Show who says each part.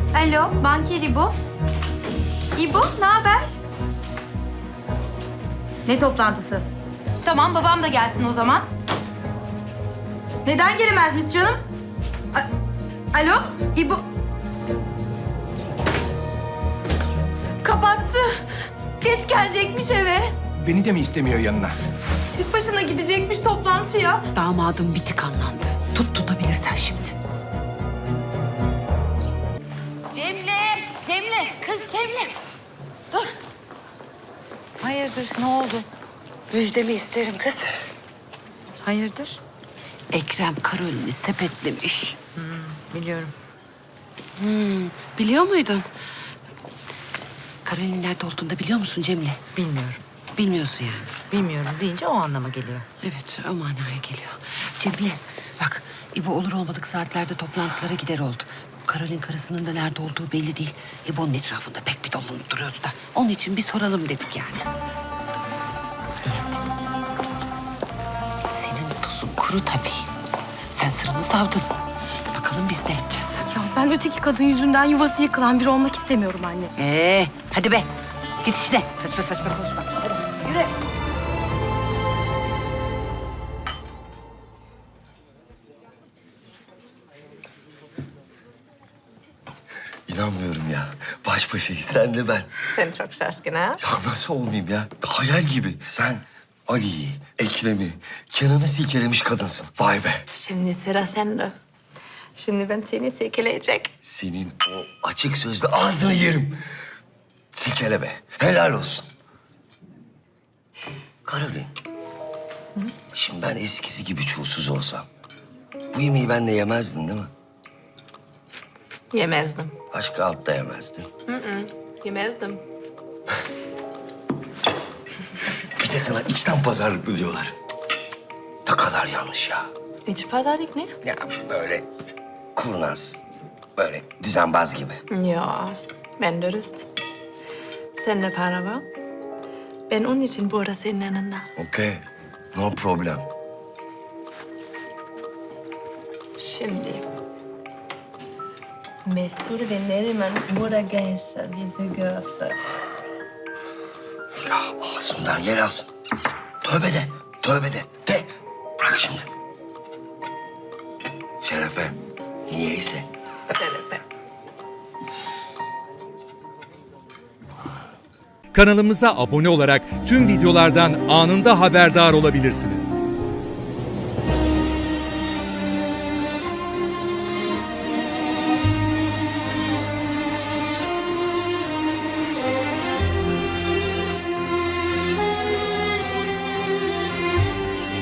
Speaker 1: Alo, banker İbo. İbo, ne haber? Ne toplantısı? Tamam, babam da gelsin o zaman. Neden gelemezmiş canım? Alo, İbo. Kapattı. Geç gelecekmiş eve.
Speaker 2: Beni de mi istemiyor yanına?
Speaker 1: Tek başına gidecekmiş toplantıya.
Speaker 3: Damadım bitik anlandı. Tutabilirsen şimdi.
Speaker 4: Cemile, kız Cemile. Dur. Hayırdır, ne oldu?
Speaker 3: Müjdemi isterim kız.
Speaker 4: Hayırdır?
Speaker 3: Ekrem Karolini sepetlemiş.
Speaker 4: Biliyorum.
Speaker 3: Biliyor muydun? Karolin nerede olduğunu da biliyor musun Cemile?
Speaker 4: Bilmiyorum.
Speaker 3: Bilmiyorsun yani.
Speaker 4: Bilmiyorum deyince o anlama geliyor.
Speaker 3: Evet, o manaya geliyor. Cemile, bak İbo olur olmadık saatlerde toplantılara gider oldu. Karolin karısının da nerede olduğu belli değil. İbo'nun etrafında pek bir dolanıp duruyordu da. Onun için bir soralım dedik yani.
Speaker 4: İyi ettiniz.
Speaker 3: Senin tuzun kuru tabii. Sen sırrını savdın. Bakalım biz ne edeceğiz?
Speaker 1: Ya ben öteki kadın yüzünden yuvası yıkılan biri olmak istemiyorum anne.
Speaker 3: Hadi be. Git işte. Saçma saçma konuşma. Hadi yürü.
Speaker 5: İnanmıyorum ya. Baş başayız sen de ben.
Speaker 6: Sen çok şaşkın ha?
Speaker 5: Ya nasıl olmayayım ya? Hayal gibi. Sen Ali'yi, Ekrem'i, Kenan'ı silkelemiş kadınsın. Vay be.
Speaker 6: Şimdi sıra sende. Şimdi ben seni silkeleyecek.
Speaker 5: Senin o açık sözlü ağzını yerim. Silkele be. Helal olsun. Karolin. Şimdi ben eskisi gibi çulsuz olsam... ...bu yemeği ben de yemezdin değil mi?
Speaker 6: Yemezdim.
Speaker 5: Başka altta yemezdin.
Speaker 6: Yemezdim.
Speaker 5: Bir de sana içten pazarlıklı diyorlar. Ne kadar yanlış ya.
Speaker 6: İç pazarlık ne?
Speaker 5: Ya böyle kurnaz, böyle düzenbaz gibi.
Speaker 6: Ya ben dürüst. Seninle para var. Ben onun için burada senin yanında.
Speaker 5: Okey, no problem.
Speaker 6: Şimdi... Mesut ve Neriman burada gelse, bizi görse.
Speaker 5: Ya ağzımdan yer alsın. Tövbe de, tövbe de. De, bırak şimdi. Şerefe, niyeyse.
Speaker 6: Şerefe.
Speaker 7: Kanalımıza abone olarak tüm videolardan anında haberdar olabilirsiniz.